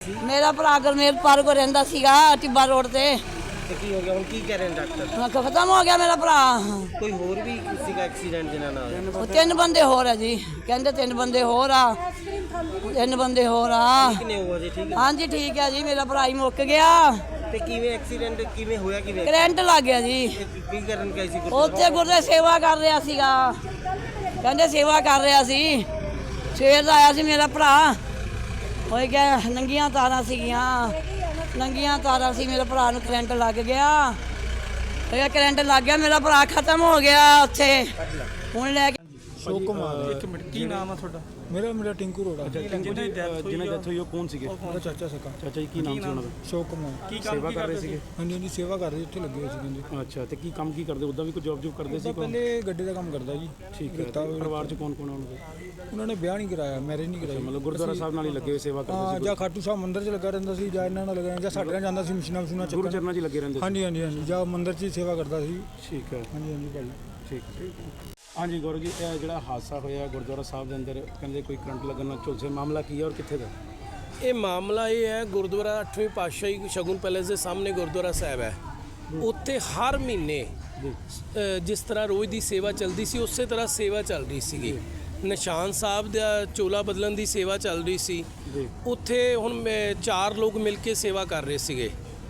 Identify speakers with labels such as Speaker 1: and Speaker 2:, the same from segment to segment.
Speaker 1: मेरा भरा गरमेल पार को रहिंदा सीगा टिब्बा रोड ते
Speaker 2: ਤੇ ਕੀ ਹੋ ਗਿਆ ਹੁਣ ਕੀ ਕਹਿ ਰਹੇ ਨੇ ਡਾਕਟਰ
Speaker 1: खत्म हो गया मेरा भरा।
Speaker 2: ਕੋਈ ਹੋਰ ਵੀ ਕਿਸੇ ਦਾ ਐਕਸੀਡੈਂਟ ਜਿਨ੍ਹਾਂ ਨਾਲ
Speaker 1: ਉਹ ਤਿੰਨ ਬੰਦੇ ਹੋਰ ਆ ਜੀ, ਕਹਿੰਦੇ ਤਿੰਨ ਬੰਦੇ ਹੋਰ ਆ, ਤਿੰਨ ਬੰਦੇ ਹੋਰ ਆ।
Speaker 2: ਕਿੰਨੇ ਹੋਇਆ ਜੀ ਠੀਕ ਹੈ
Speaker 1: ਹਾਂਜੀ ਠੀਕ ਹੈ ਜੀ, ਮੇਰਾ ਭਰਾ ਹੀ ਮੁੱਕ ਗਿਆ।
Speaker 2: ਤੇ ਕਿਵੇਂ ਐਕਸੀਡੈਂਟ ਕਿਵੇਂ ਹੋਇਆ ਕਿਵੇਂ
Speaker 1: ਕਰੰਟ ਲੱਗ ਗਿਆ ਜੀ।
Speaker 2: ਕੀ ਕਰਨ ਗਏ ਸੀ
Speaker 1: ਉੱਥੇ ਗੁਰਦੇ ਸੇਵਾ ਕਰ ਰਿਹਾ ਸੀਗਾ, ਕਹਿੰਦੇ ਸੇਵਾ ਕਰ ਰਿਹਾ ਸੀ। ਸਵੇਰ ਦਾ ਆਇਆ ਸੀ ਮੇਰਾ ਭਰਾ, ਹੋਈ ਗਿਆ ਨੰਗੀਆਂ ਤਾਰਾਂ ਸੀਗੀਆਂ, ਨੰਗੀਆਂ ਤਾਰਾਂ ਸੀ। ਮੇਰੇ ਭਰਾ ਨੂੰ ਕਰੰਟ ਲੱਗ ਗਿਆ, ਹੋਇਆ ਕਰੰਟ ਲੱਗ ਗਿਆ, ਮੇਰਾ ਭਰਾ ਖਤਮ ਹੋ ਗਿਆ ਉੱਥੇ। ਹੁਣ ਲੈ ਕੇ
Speaker 3: ਸ਼ੋਕ ਕੁਮਾਰ।
Speaker 4: ਇੱਕ ਮਿੰਟ, ਕੀ ਨਾਮ ਆ ਤੁਹਾਡਾ?
Speaker 3: ਮੇਰਾ ਟਿੰਕੂ ਰੋੜਾ।
Speaker 4: ਜਿਹਨਾਂ ਦੀ ਡੈਥ ਹੋਈ ਉਹ ਕੌਣ ਸੀਗੇ?
Speaker 3: ਮੇਰਾ ਚਾਚਾ ਸਕਾ।
Speaker 4: ਚਾਚਾ ਜੀ ਕੀ ਨਾਮ ਸੀ ਉਹਨਾਂ ਦਾ?
Speaker 3: ਸ਼ੋਕ ਕੁਮਾਰ।
Speaker 4: ਕੀ ਸੇਵਾ ਕਰ ਰਹੇ ਸੀਗੇ?
Speaker 3: ਹਾਂਜੀ ਸੇਵਾ ਕਰ ਰਹੇ, ਇੱਥੇ ਲੱਗੇ ਹੋਏ ਸੀ ਕਹਿੰਦੇ।
Speaker 4: ਅੱਛਾ, ਤੇ ਕੀ ਕੰਮ ਕੀ ਕਰਦੇ? ਉੱਦਾਂ ਵੀ ਕੋਈ ਜੌਬ ਕਰਦੇ ਸੀ?
Speaker 3: ਪਹਿਲੇ ਗੱਡੇ ਦਾ ਕੰਮ ਕਰਦਾ ਜੀ।
Speaker 4: ਠੀਕ ਹੈ। ਪਰਿਵਾਰ ਚ ਕੌਣ ਕੌਣ ਉਹਨਾਂ
Speaker 3: ਉਹਨਾਂ ਨੇ ਵਿਆਹ ਨਹੀਂ ਕਰਾਇਆ, ਮੈਰਿਜ ਨਹੀਂ ਕਰਾਈ।
Speaker 4: ਮਤਲਬ ਗੁਰਦੁਆਰਾ ਸਾਹਿਬ ਨਾਲ ਹੀ ਲੱਗੇ ਹੋਏ ਸੇਵਾ ਕਰਦੇ ਸੀ?
Speaker 3: ਜਾਂ ਖਾਟੂ ਸਾਹਿਬ ਮੰਦਿਰ 'ਚ ਲੱਗਾ ਰਹਿੰਦਾ ਸੀ, ਜਾਂ ਇਹਨਾਂ ਨਾਲ ਲੱਗਾ, ਜਾਂ ਸਾਡੇ ਨਾਲ ਜਾਂਦਾ ਸੀ ਮਸ਼ੀਨਾਂ ਮਸ਼ੂਨਾਂ
Speaker 4: ਗੁਰੂ ਚਰਨਾਂ 'ਚ ਲੱਗੇ ਰਹਿੰਦੇ ਸੀ?
Speaker 3: ਹਾਂਜੀ ਜਾਂ ਮੰਦਿਰ 'ਚ ਹੀ ਸੇਵਾ ਕਰਦਾ ਸੀ।
Speaker 4: ਠੀਕ ਹੈ।
Speaker 3: ਹਾਂਜੀ ਭਾਈ
Speaker 4: ਠੀਕ। ਹਾਂਜੀ ਗੌਰਵ ਜੀ, ਇਹ ਜਿਹੜਾ ਹਾਦਸਾ ਹੋਇਆ ਗੁਰਦੁਆਰਾ ਸਾਹਿਬ ਦੇ ਅੰਦਰ, ਕਹਿੰਦੇ ਕੋਈ ਕਰੰਟ ਲੱਗਣ ਨਾਲ ਝੁਲਸੇ, ਮਾਮਲਾ ਕੀ ਹੈ ਔਰ ਕਿੱਥੇ ਦਾ?
Speaker 5: ਇਹ ਮਾਮਲਾ ਇਹ ਹੈ, ਗੁਰਦੁਆਰਾ 8ਵੀਂ ਪਾਤਸ਼ਾਹੀ ਸ਼ਗੁਨ ਪੈਲੇਸ ਦੇ ਸਾਹਮਣੇ ਗੁਰਦੁਆਰਾ ਸਾਹਿਬ ਹੈ। ਉੱਥੇ ਹਰ ਮਹੀਨੇ ਜਿਸ ਤਰ੍ਹਾਂ ਰੋਜ਼ ਦੀ ਸੇਵਾ ਚੱਲਦੀ ਸੀ, ਉਸੇ ਤਰ੍ਹਾਂ ਸੇਵਾ ਚੱਲ ਰਹੀ ਸੀਗੀ। ਨਿਸ਼ਾਨ ਸਾਹਿਬ ਦਾ ਚੋਲਾ ਬਦਲਣ ਦੀ ਸੇਵਾ ਚੱਲ ਰਹੀ ਸੀ। ਉੱਥੇ ਹੁਣ 4 ਲੋਕ ਮਿਲ ਕੇ ਸੇਵਾ ਕਰ ਰਹੇ ਸੀਗੇ।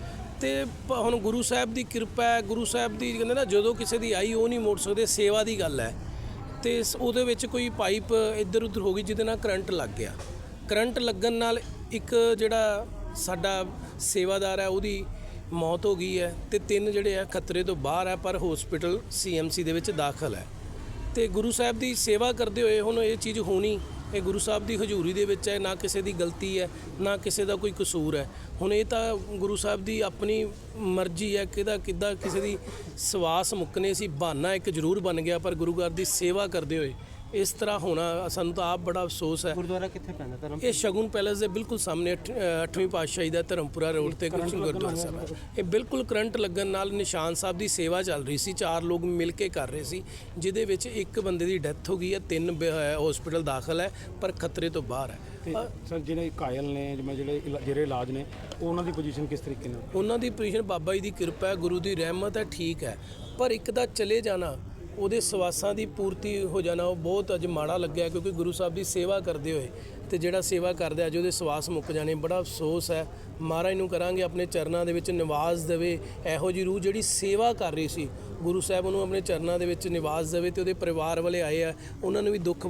Speaker 5: ਤੇ ਹੁਣ ਗੁਰੂ ਸਾਹਿਬ ਦੀ ਕਿਰਪਾ ਹੈ, ਗੁਰੂ ਸਾਹਿਬ ਦੀ ਕਹਿੰਦੇ ਨਾ, ਜਦੋਂ ਕਿਸੇ ਦੀ ਆਈ ਉਹ ਨਹੀਂ ਮੋੜ ਸਕਦੇ, ਸੇਵਾ ਦੀ ਗੱਲ ਹੈ। ਤੇ ਉਹਦੇ ਵਿੱਚ ਕੋਈ ਪਾਈਪ ਇੱਧਰ ਉੱਧਰ ਹੋ ਗਈ, ਜਿਹਦੇ ਨਾਲ ਕਰੰਟ ਲੱਗ ਗਿਆ। ਕਰੰਟ ਲੱਗਣ ਨਾਲ ਇੱਕ ਜਿਹੜਾ ਸਾਡਾ ਸੇਵਾਦਾਰ ਹੈ ਉਹਦੀ ਮੌਤ ਹੋ ਗਈ ਹੈ, ਤੇ 3 ਜਿਹੜੇ ਆ ਖਤਰੇ ਤੋਂ ਬਾਹਰ ਹੈ, ਪਰ ਹਸਪੀਟਲ CMC ਦੇ ਵਿੱਚ ਦਾਖਲ ਹੈ। ਤੇ ਗੁਰੂ ਸਾਹਿਬ ਦੀ ਸੇਵਾ ਕਰਦੇ ਹੋਏ ਹੁਣ ਇਹ ਚੀਜ਼ ਹੋਣੀ, ਇਹ ਗੁਰੂ ਸਾਹਿਬ ਦੀ ਹਜ਼ੂਰੀ ਦੇ ਵਿੱਚ ਹੈ, ਨਾ ਕਿਸੇ ਦੀ ਗਲਤੀ ਹੈ, ਨਾ ਕਿਸੇ ਦਾ ਕੋਈ ਕਸੂਰ ਹੈ। ਹੁਣ ਇਹ ਤਾਂ ਗੁਰੂ ਸਾਹਿਬ ਦੀ ਆਪਣੀ ਮਰਜ਼ੀ ਹੈ, ਕਿੱਦਾਂ ਕਿਸੇ ਦੀ ਸਵਾਸ ਮੁੱਕਨੇ ਸੀ। ਬਹਾਨਾ ਇੱਕ ਜ਼ਰੂਰ ਬਣ ਗਿਆ, ਪਰ ਗੁਰੂ ਘਰ ਦੀ ਸੇਵਾ ਕਰਦੇ ਹੋਏ ਇਸ ਤਰ੍ਹਾਂ ਹੋਣਾ ਸਾਨੂੰ ਤਾਂ ਆਪ ਬੜਾ ਅਫਸੋਸ ਹੈ।
Speaker 2: ਗੁਰਦੁਆਰਾ ਕਿੱਥੇ ਪੈਂਦਾ ਧਰਮ?
Speaker 5: ਇਹ ਸ਼ਗੁਨ ਪੈਲੇਸ ਦੇ ਬਿਲਕੁਲ ਸਾਹਮਣੇ 8ਵੀਂ ਪਾਤਸ਼ਾਹੀ ਦਾ ਧਰਮਪੁਰਾ ਰੋਡ ਤੇ ਗੁਰਦੁਆਰਾ ਸਾਹਿਬ ਹੈ। ਇਹ ਬਿਲਕੁਲ ਕਰੰਟ ਲੱਗਣ ਨਾਲ ਨਿਸ਼ਾਨ ਸਾਹਿਬ ਦੀ ਸੇਵਾ ਚੱਲ ਰਹੀ ਸੀ, 4 ਲੋਕ ਮਿਲ ਕੇ ਕਰ ਰਹੇ ਸੀ, ਜਿਹਦੇ ਵਿੱਚ ਇੱਕ ਬੰਦੇ ਦੀ ਡੈਥ ਹੋ ਗਈ ਹੈ, 3 ਹਸਪੀਟਲ ਦਾਖਲ ਹੈ, ਪਰ ਖਤਰੇ ਤੋਂ ਬਾਹਰ ਹੈ।
Speaker 4: ਤੇ ਸਰ ਜਿਹੜੇ ਕਾਇਲ ਨੇ, ਜਿਵੇਂ ਜਿਹੜੇ ਇਲਾਜ ਨੇ, ਉਹਨਾਂ ਦੀ ਪੋਜੀਸ਼ਨ ਕਿਸ ਤਰੀਕੇ ਨਾਲ?
Speaker 5: ਉਹਨਾਂ ਦੀ ਪੋਜੀਸ਼ਨ ਬਾਬਾ ਜੀ ਦੀ ਕਿਰਪਾ ਹੈ, ਗੁਰੂ ਦੀ ਰਹਿਮਤ ਹੈ, ਠੀਕ ਹੈ। ਪਰ ਇੱਕ ਦਾ ਚਲੇ ਜਾਣਾ, ਉਹਦੇ ਸਵਾਸਾਂ ਦੀ ਪੂਰਤੀ ਹੋ ਜਾਣਾ, ਉਹ ਬਹੁਤ ਅੱਜ ਮਾੜਾ ਲੱਗਿਆ, ਕਿਉਂਕਿ ਗੁਰੂ ਸਾਹਿਬ ਦੀ ਸੇਵਾ ਕਰਦੇ ਹੋਏ ਤੇ ਜਿਹੜਾ ਸੇਵਾ ਕਰਦਾ ਅੱਜ ਉਹਦੇ ਸਵਾਸ ਮੁੱਕ ਜਾਣੇ, ਬੜਾ ਅਫਸੋਸ ਹੈ। ਮਹਾਰਾਜ ਨੂੰ ਕਰਾਂਗੇ ਆਪਣੇ ਚਰਨਾਂ ਦੇ ਵਿੱਚ ਨਿਵਾਸ ਦੇਵੇ, ਇਹੋ ਜਿਹੀ ਰੂਹ ਜਿਹੜੀ ਸੇਵਾ ਕਰ ਰਹੀ ਸੀ, ਗੁਰੂ ਸਾਹਿਬ ਉਹਨੂੰ ਆਪਣੇ ਚਰਨਾਂ ਦੇ ਵਿੱਚ ਨਿਵਾਸ ਦੇਵੇ, ਤੇ ਉਹਦੇ ਪਰਿਵਾਰ ਵਾਲੇ ਆਏ ਆ, ਉਹਨਾਂ ਨੂੰ ਵੀ ਦੁੱਖ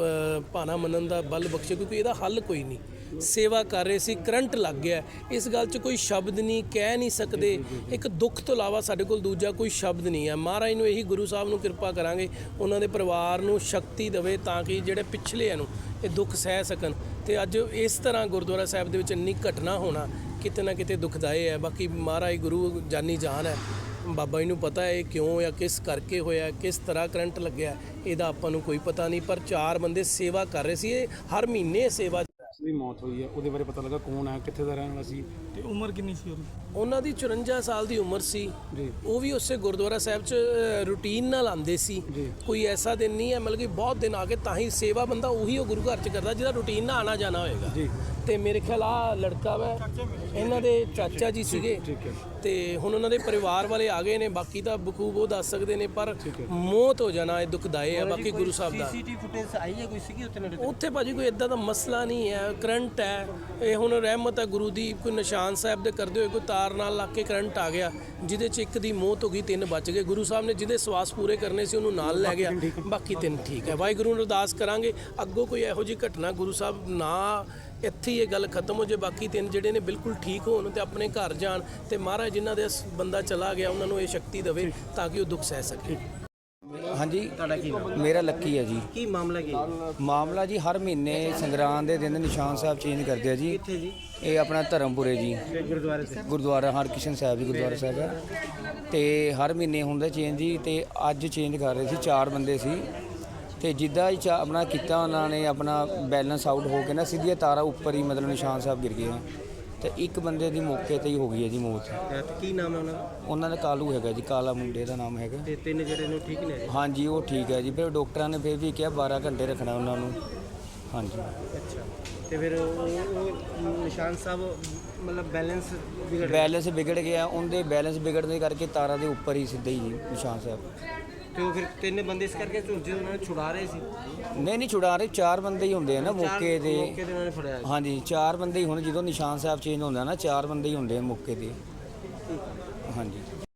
Speaker 5: ਭਾਣਾ ਮੰਨਣ ਦਾ ਬਲ ਬਖਸ਼ੇ, ਕਿਉਂਕਿ ਇਹਦਾ ਹੱਲ ਕੋਈ ਨਹੀਂ। ਸੇਵਾ ਕਰ ਰਹੇ ਸੀ, ਕਰੰਟ ਲੱਗ ਗਿਆ, ਇਸ ਗੱਲ 'ਚ ਕੋਈ ਸ਼ਬਦ ਨਹੀਂ, ਕਹਿ ਨਹੀਂ ਸਕਦੇ। ਇੱਕ ਦੁੱਖ ਤੋਂ ਇਲਾਵਾ ਸਾਡੇ ਕੋਲ ਦੂਜਾ ਕੋਈ ਸ਼ਬਦ ਨਹੀਂ ਹੈ। ਮਹਾਰਾਜ ਨੂੰ ਇਹੀ ਗੁਰੂ ਸਾਹਿਬ ਨੂੰ ਕਿਰਪਾ ਕਰਾਂਗੇ, ਉਹਨਾਂ ਦੇ ਪਰਿਵਾਰ ਨੂੰ ਸ਼ਕਤੀ ਦੇਵੇ, ਤਾਂ ਕਿ ਜਿਹੜੇ ਪਿਛਲੇ ਨੂੰ ਇਹ ਦੁੱਖ ਸਹਿ ਸਕਣ। ਤੇ ਅੱਜ ਇਸ ਤਰ੍ਹਾਂ ਗੁਰਦੁਆਰਾ ਸਾਹਿਬ ਦੇ ਵਿੱਚ ਇੰਨੀ ਘਟਨਾ ਹੋਣਾ ਕਿਤੇ ਨਾ ਕਿਤੇ ਦੁਖਦਾਈ ਹੈ। ਬਾਕੀ ਮਹਾਰਾਜ ਗੁਰੂ ਜਾਨੀ ਜਾਨ ਹੈ, ਬਾਬਾ ਜੀ ਨੂੰ ਪਤਾ ਹੈ ਇਹ ਕਿਉਂ ਜਾਂ ਕਿਸ ਕਰਕੇ ਹੋਇਆ, ਕਿਸ ਤਰ੍ਹਾਂ ਕਰੰਟ ਲੱਗਿਆ, ਇਹਦਾ ਆਪਾਂ ਨੂੰ ਕੋਈ ਪਤਾ ਨਹੀਂ। ਪਰ 4 ਬੰਦੇ ਸੇਵਾ ਕਰ ਰਹੇ ਸੀ, ਇਹ ਹਰ ਮਹੀਨੇ ਸੇਵਾ
Speaker 4: ਦੀ ਮੌਤ ਹੋਈ ਹੈ, ਉਹਦੇ ਬਾਰੇ ਪਤਾ ਲੱਗਾ ਕੌਣ ਹੈ, ਕਿੱਥੇ ਦਾ ਰਹਿਣ ਵਾਲਾ ਸੀ,
Speaker 3: ਤੇ ਉਮਰ ਕਿੰਨੀ ਸੀ
Speaker 5: ਉਹਨਾਂ ਦੀ? 54 ਸਾਲ ਦੀ ਉਮਰ ਸੀ ਜੀ। ਉਹ ਵੀ ਉਸੇ ਗੁਰਦੁਆਰਾ ਸਾਹਿਬ 'ਚ ਰੂਟੀਨ ਨਾਲ ਆਉਂਦੇ ਸੀ। ਕੋਈ ਐਸਾ ਦਿਨ ਨਹੀਂ ਹੈ, ਮਤਲਬ ਕਿ ਬਹੁਤ ਦਿਨ ਆ ਕੇ ਤਾਂ ਹੀ ਸੇਵਾ ਬੰਦਾ ਉਹੀ ਉਹ ਗੁਰੂ ਘਰ 'ਚ ਕਰਦਾ ਜਿਹਦਾ ਰੂਟੀਨ ਨਾਲ ਆਣਾ ਜਾਣਾ ਹੋਏਗਾ ਜੀ। ਤੇ ਮੇਰੇ ਖਿਆਲ ਆ ਲੜਕਾ ਵਾ, ਇਹਨਾਂ ਦੇ ਚਾਚਾ ਜੀ ਸੀਗੇ, ਤੇ ਹੁਣ ਉਹਨਾਂ ਦੇ ਪਰਿਵਾਰ ਵਾਲੇ ਆ ਗਏ ਨੇ, ਬਾਕੀ ਤਾਂ ਬਖੂਬ ਉਹ ਦੱਸ ਸਕਦੇ ਨੇ, ਪਰ ਮੌਤ ਹੋ ਜਾਣਾ ਇਹ ਦੁਖਦਾਈ ਹੈ। ਬਾਕੀ ਗੁਰੂ ਸਾਹਿਬ ਦਾ
Speaker 2: CCTV ਫੁਟੇਜ ਆਈ ਹੈ ਕੋਈ ਸੀਗੀ
Speaker 5: ਉੱਥੇ ਭਾਜੀ? ਕੋਈ ਇਦਾਂ ਦਾ ਮਸਲਾ ਨਹੀਂ ਹੈ, ਕਰੰਟ ਹੈ, ਇਹ ਹੁਣ ਰਹਿਮਤ ਹੈ ਗੁਰੂ ਦੀ। ਕੋਈ ਨਿਸ਼ਾਨ ਸਾਹਿਬ ਦੇ ਕਰਦੇ ਹੋਏ ਕੋਈ ਤਾਰ ਨਾਲ ਲੱਗ ਕੇ ਕਰੰਟ ਆ ਗਿਆ, ਜਿਹਦੇ 'ਚ ਇੱਕ ਦੀ ਮੌਤ ਹੋ ਗਈ, 3 ਬਚ ਗਏ। ਗੁਰੂ ਸਾਹਿਬ ਨੇ ਜਿਹਦੇ ਸਵਾਸ ਪੂਰੇ ਕਰਨੇ ਸੀ ਉਹਨੂੰ ਨਾਲ ਲੈ ਗਿਆ, ਬਾਕੀ 3 ਠੀਕ ਹੈ। ਵਾਹਿਗੁਰੂ ਨੂੰ ਅਰਦਾਸ ਕਰਾਂਗੇ ਅੱਗੋਂ ਕੋਈ ਇਹੋ ਜਿਹੀ ਘਟਨਾ ਗੁਰੂ ਸਾਹਿਬ ਨਾ, ਇੱਥੇ ਹੀ ਇਹ ਗੱਲ ਖਤਮ ਹੋ ਜੇ, ਬਾਕੀ 3 ਜਿਹੜੇ ਨੇ ਬਿਲਕੁਲ ਠੀਕ ਹੋਣ ਤੇ ਆਪਣੇ ਘਰ ਜਾਣ, ਤੇ ਮਹਾਰਾਜ ਜਿਨ੍ਹਾਂ ਦੇ ਬੰਦਾ ਚਲਾ ਗਿਆ ਉਹਨਾਂ ਨੂੰ ਇਹ ਸ਼ਕਤੀ ਦੇਵੇ ਤਾਂ ਕਿ ਉਹ ਦੁੱਖ ਸਹਿ ਸਕੇ।
Speaker 6: ਹਾਂਜੀ
Speaker 2: ਤੁਹਾਡਾ ਕੀ ਨਾਮ?
Speaker 6: ਮੇਰਾ ਲੱਕੀ ਹੈ ਜੀ।
Speaker 2: ਕੀ ਮਾਮਲਾ ਕੀ?
Speaker 6: ਮਾਮਲਾ ਜੀ ਹਰ ਮਹੀਨੇ ਸੰਗਰਾਂਦ ਦੇ ਦਿਨ ਨਿਸ਼ਾਨ ਸਾਹਿਬ ਚੇਂਜ ਕਰਦੇ ਆ ਜੀ।
Speaker 2: ਕਿੱਥੇ ਜੀ?
Speaker 6: ਇਹ ਆਪਣਾ ਧਰਮਪੁਰੇ ਜੀ,
Speaker 2: ਗੁਰਦੁਆਰੇ ਤੇ
Speaker 6: ਗੁਰਦੁਆਰਾ ਹਰਕ੍ਰਿਸ਼ਨ ਸਾਹਿਬ ਜੀ ਗੁਰਦੁਆਰਾ ਸਾਹਿਬ ਹੈ, ਤੇ ਹਰ ਮਹੀਨੇ ਹੁੰਦਾ ਚੇਂਜ ਜੀ। ਤੇ ਅੱਜ ਚੇਂਜ ਕਰ ਰਹੇ ਸੀ, 4 ਬੰਦੇ ਸੀ, ਤੇ ਜਿੱਦਾਂ ਹੀ ਆਪਣਾ ਕੀਤਾ ਉਹਨਾਂ ਨੇ, ਆਪਣਾ ਬੈਲੈਂਸ ਆਊਟ ਹੋ ਕੇ ਨਾ ਸਿੱਧੀਆਂ ਤਾਰਾਂ ਉੱਪਰ ਹੀ ਮਤਲਬ ਨਿਸ਼ਾਨ ਸਾਹਿਬ ਗਿਰ ਗਏ, ਤੇ ਇੱਕ ਬੰਦੇ ਦੀ ਮੌਕੇ ਤੇ ਹੀ ਹੋ ਗਈ ਹੈ ਜੀ ਮੌਤ।
Speaker 2: ਕੀ ਨਾਮ ਹੈ ਉਹਨਾਂ ਦਾ?
Speaker 6: ਉਹਨਾਂ ਦਾ ਕਾਲੂ ਹੈਗਾ ਜੀ, ਕਾਲਾ ਮੁੰਡੇ ਦਾ ਨਾਮ ਹੈਗਾ।
Speaker 2: ਤੇ 3 ਜਿਹੜੇ ਨੂੰ ਠੀਕ ਨੇ?
Speaker 6: ਹਾਂਜੀ ਉਹ ਠੀਕ ਹੈ ਜੀ। ਫਿਰ ਡਾਕਟਰਾਂ ਨੇ ਫਿਰ ਵੀ ਕਿਹਾ 12 ਘੰਟੇ ਰੱਖਣਾ ਉਹਨਾਂ ਨੂੰ, ਹਾਂਜੀ।
Speaker 2: ਅੱਛਾ ਤੇ ਫਿਰ ਉਹ ਨਿਸ਼ਾਨ ਸਾਹਿਬ ਮਤਲਬ ਬੈਲੈਂਸ ਵਿਗੜ ਗਿਆ
Speaker 6: ਬੈਲੈਂਸ ਵਿਗੜ ਗਿਆ, ਉਹਦੇ ਬੈਲੈਂਸ ਵਿਗੜਨ ਦੇ ਕਰਕੇ ਤਾਰਾਂ ਦੇ ਉੱਪਰ ਹੀ ਸਿੱਧਾ ਹੀ ਜੀ ਨਿਸ਼ਾਨ ਸਾਹਿਬ।
Speaker 2: ਤੇ ਉਹ ਫਿਰ ਤਿੰਨ ਬੰਦੇ ਇਸ ਕਰਕੇ ਝੁੰਝੇ ਉਹਨਾਂ ਨੂੰ ਛੁਡਾ ਰਹੇ ਸੀ।
Speaker 6: ਨਹੀਂ ਛੁਡਾ ਰਹੇ, 4 ਬੰਦੇ ਹੀ ਹੁੰਦੇ ਆ ਨਾ ਮੌਕੇ ਤੇ।
Speaker 2: ਮੌਕੇ ਤੇ ਉਹਨਾਂ ਨੇ ਫੜਿਆ ਸੀ।
Speaker 6: ਹਾਂਜੀ 4 ਬੰਦੇ ਹੀ ਹੁਣ ਜਦੋਂ ਨਿਸ਼ਾਨ ਸਾਹਿਬ ਚੇਂਜ ਹੁੰਦਾ ਨਾ 4 ਬੰਦੇ ਹੀ ਹੁੰਦੇ ਆ ਮੌਕੇ ਤੇ।